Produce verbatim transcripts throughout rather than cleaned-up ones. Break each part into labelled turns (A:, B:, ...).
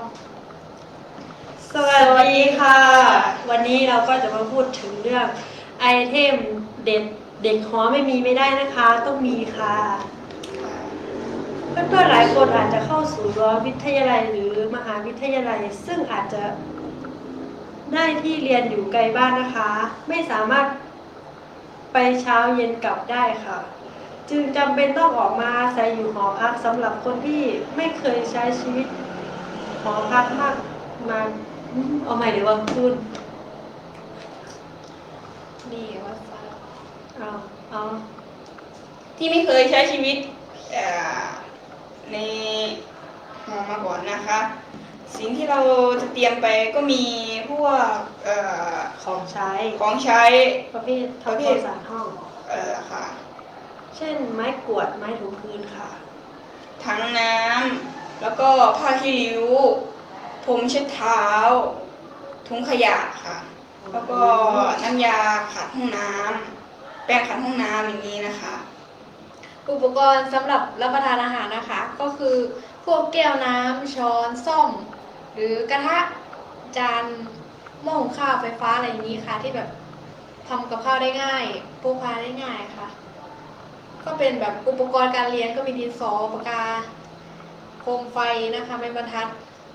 A: สวัสดีค่ะวันนี้เราก็จะมาพูดถึงเรื่องไอเทมเด็ดเด็กหอไม่มีไม่ได้นะคะต้องมีค่ะเพื่อนๆหลายคนอาจจะเข้าสู่รั้ววิทยาลัยหรือมหาวิทยาลัยซึ่งอาจจะได้ที่เรียนอยู่ไกลบ้านนะคะไม่สามารถไปเช้าเย็นกลับได้ค่ะจึงจำเป็นต้องออกมาอาศัยอยู่หอพักสำหรับคนที่ไม่เคยใช้ชีวิตหอพักมากมาเอาใหม่เดี๋ยวว่าพูด
B: นี่ว่า
A: เอาเอา
B: ที่ไม่เคยใช้ชีวิตในหอมาก่อนนะคะ สิ่งที่เราจะเตรียมไปก็มีพวก
A: ของใช้
B: ของใช้
A: ประเภททำความสะอาดห้อง
B: เออค่ะ
A: เช่นไม้กวาดไม้ถูพื้นค่ะ
B: ถังน้ำแล้วก็ผ้าขี้ริ้วพรมเช็ดเท้าถุงขยะค่ะ แล้วก็น้ำยาขัดห้องน้ำแปรงขัดห้องน้ำอย่างนี้นะคะ
C: อุปกรณ์สำหรับรับประทานอาหารนะคะ ก็คือพวกแก้วน้ำช้อนส้อมหรือกระทะจานหม้อหุงข้าวไฟฟ้าอะไรอย่างนี้ค่ะ ที่แบบทำกับข้าวได้ง่ายพกพาได้ง่ายค่ะ ก็เป็นแบบอุปกรณ์การเรียนก็มีดินสอปากกาโคมไฟนะคะไม้บรรทัด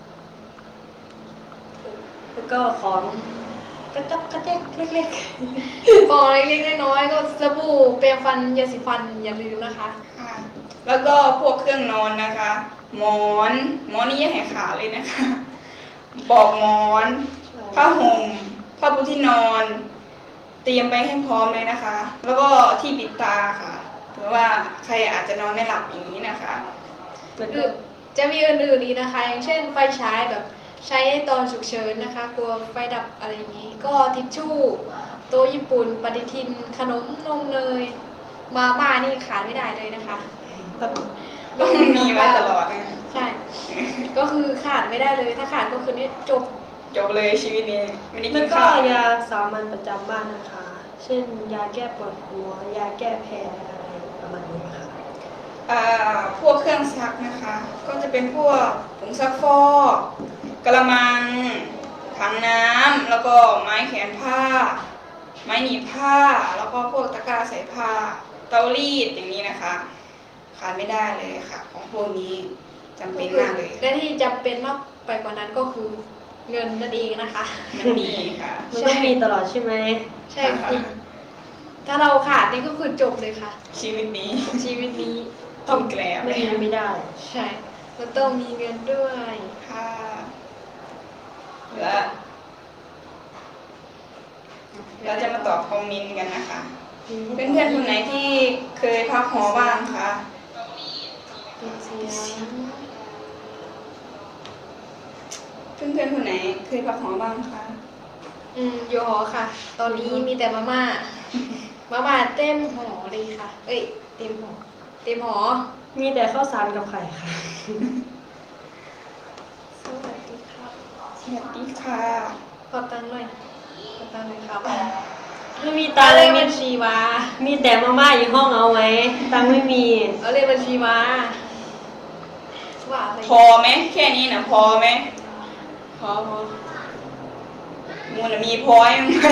A: แล้วก็ของกระจับกระแจกเล็ก
C: ของเล็กๆน้อยๆก็สบู่แปรงฟันยาสีฟันอย่าลืมนะคะ
B: ค่ะแล้วก็พวกเครื่องนอนนะคะ หมอนหมอนนี่อย่าให้ขาดเลยนะคะปลอกหมอนผ้าห่มผ้าปูที่นอน เตรียมไปให้พร้อมเลยนะคะ แล้วก็ที่ปิดตาค่ะเผื่อว่าใครอาจจะนอนไม่หลับอย่างนี้นะคะ
A: ๆแล้ว
C: ห
A: ก็
C: รือจะมีอื่นๆอีกนะคะ อย่างเช่นไฟฉายแบบใช้ตอนฉุกเฉินนะคะกลัวไฟดับอะไรอย่างนี้ ก็ทิชชู่โต๊ะญี่ปุ่นปฏิทินขนมนมเนยมาม่านี่ขาดไม่ได้เลยนะคะ
B: ต้องมีไว้ตลอดนะ
C: ใช่ ก็คือขาดไม่ได้เลยถ้าขาดก็คือนี่จบ
B: จบเลยชีวิตนี้ไม่ได้
A: แล้
B: กิ
A: วน ก็
B: ข้าวย
A: าสามัญประจำบ้านนะคะ เช่นยาแก้ปวดหัวยาแก้แพ้อะไรประมาณนี้ค่ะ
B: อ่าพวกเครื่องซักนะคะ ก็จะเป็นพวกผงซักฟอกกระมังถังน้ำแล้วก็ไม้แขวนผ้า ไม้หนีบผ้าแล้วก็พวกตะกร้าใส่ผ้าเตารีดอย่างนี้นะคะขาดไม่ได้เลยค่ะ ของพวกนี้จำเป็นมากเลย
C: และที่จำเป็นมากไปกว่านั้นก็คือเงินนั่นเองนะคะ
B: มันมีค่ะ
A: มันต้องมีตลอดใช่ไหม
C: ใช่ค่ะถ้าเราขาดนี่ก็คือจบเลยค่ะ
B: ชีวิตนี้
C: ชีวิตนี้
B: ต้องแกลบ
A: ไม่มีไม่ได้
C: ใช่มันต้องมีเงินด้วย
B: ค่ะและเราจะมาตอบคอมเมนต์กันนะคะเพื่อนๆคนไหนที่เคยพักหอบ้างคะ
C: เป็นเสียง
B: เพื่อนๆคนไหนเคยพักหอบ้างคะ
C: อืมอยู่หอค่ะ ตอนนี้มีแต่มาม่า มาม่าเต็มหอเลยค่ะ เอ้ยเต็มหอเต็มหอ
A: มีแต่ข้าวสารกับไข่ค่ะ
C: สวัสดีครับ
B: สวัสดีค่ะ
C: ขอตังค์หน่อยขอตังค์หน่อยครับ
A: ไม่มี
C: ตา
A: ตังค์
C: เล
A: เลย
C: ข
A: มี
C: บัญชีมา
A: มีแต่มาม่าอยู่ห้องเอาไว้ ตังค์ไม่มี
C: เอาเลขบัญชีมาว่าอะไร
B: พอไหมแค่นี้นะพอไหม
C: พอพอ
B: มูลมีพอยังไง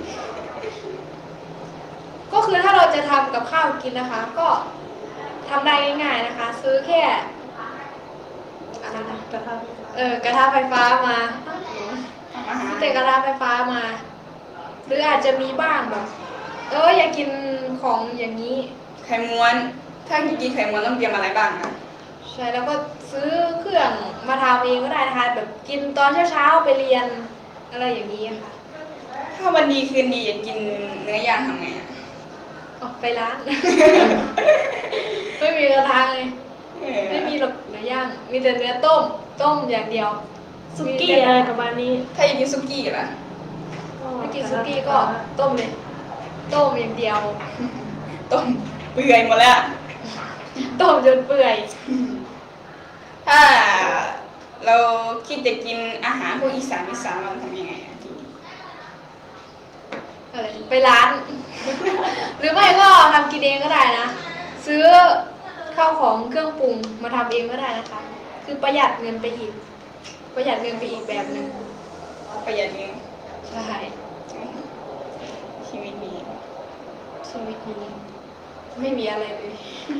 C: ก็คือถ้าเราจะทำกับข้าวกินนะคะ ก็ทำได้ง่ายๆนะคะ ซื้อแค่อะไรนะ
A: กระทะ
C: เออกระทะไฟฟ้ามา
B: ทำอาหาร
C: ซื้อแต่กระทะไฟฟ้ามา หรืออาจจะมีบ้างแบบเอออยากกินของอย่างนี้
B: ไข่ม้วน ถ้ากินไข่ม้วนต้องเตรียมอะไรบ้างนะ
C: ใช่แล้วก็ซื้อเครื่องมาทำเองก็ได้นะคะแบบกินตอนเช้าๆไปเรียนอะไรอย่างนี้ค่ะ
B: ถ้าวันดีคืนดีอยากกินเนื้อย่างทำไงอะ
C: ออกไปร้าน ไม่มีกระทะเลย
B: เออ
C: ไม่มีหรอกเนื้อย่าง มีแต่เนื้อต้ม ต้มอย่างเดียว
A: สุกี้อะไรประมาณนี้
B: ถ้าอยากกินซุกี้ล่ะ
C: ไม่กินซุกี้ก็ต้มเลย ต้มอย่างเดียว
B: ต้มเปื่อยหมดแล้ว
C: ต้มจนเปื่อย
B: ถ้าเราคิดจะกินอาหารพวกอีสานอีสานเราทำยังไงอะทีนี้
C: อะไรไปร้าน หรือไม่ก็ทำกินเองก็ได้นะ ซื้อข้าวของเครื่องปรุงมาทำเองก็ได้นะคะ คือประหยัดเงินไปอีกประหยัดเงินไปอีกแบบหนึ่ง
B: ประหยัดเงิน
C: ใช่
B: ชีวิตนี้
C: ชีวิตนี้ไม่มีอะไรเลย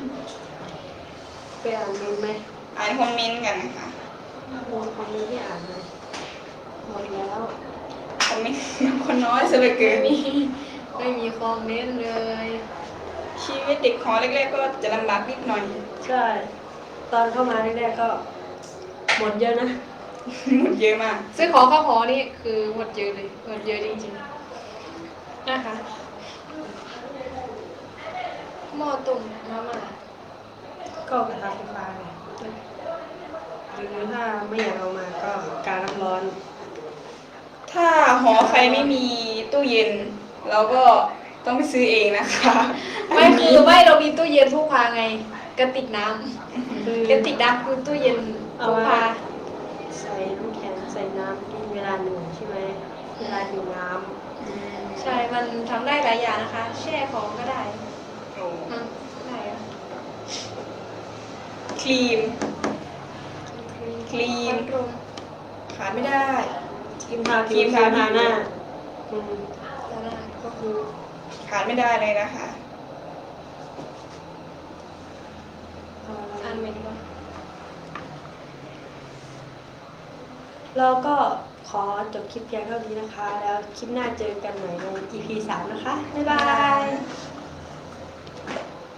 A: ไปอ่านเมนต์ไหม
B: อ่านคอมเมนต์กันนะคะ
A: มีคอมเมนต์ที่อ่านไหมหมดแล้ว
B: คอมเมนต์คนน้อยซะเหลือเกิน
C: ไม่มีไม่มีคอมเมนต์เลย
B: ชีวิตเด็กหอแรกๆก็จะลำบากนิดหน่อย
A: ใช่ ตอนเข้ามาแรกๆก็หมดเยอะนะ
B: หมดเยอะมาก
C: ซื้อของเข้าหอนี่คือหมดเยอะเลยหมดเยอะจริงๆนะคะหม้อต้มมาม่า
A: ก็กระทะไฟฟ้าไงหรือถ้าไม่อยากเอามาก็การน้ำร้อน
B: ถ้าหอใครไม่มีตู้เย็น เราก็ต้องไปซื้อเองนะคะ
C: ไม่คือไม่เรามีตู้เย็นพกพาไงกระติกน้
A: คือ
C: ำกระติกน้ำคือตู้เย็นพกพา
A: ใส่น้ำแข็งใส่น้ำกินเวลาหนึ่งใช่ไหมเวลาหิวน้
C: ใช่มันทำได้หลายอย่างนะคะ แช่ของก็ได้
B: โอ้
C: อืมได้อะ
B: ครีม ครีม
C: พัดลม
B: ขาดไม่ได้
A: ำครีมทา
B: ครีมทาผิว
A: หน้าอืม
C: แล้วนั่นก็คือ
B: ขาดไม่ได้เลยนะคะ
A: เอาอะไร
C: อันเมนก็
A: เราก็ขอจบคลิปเพียงเท่านี้นะคะ แล้วคลิปหน้าเจอกันใหม่ใน อี พี สามนะคะ บ๊ายบาย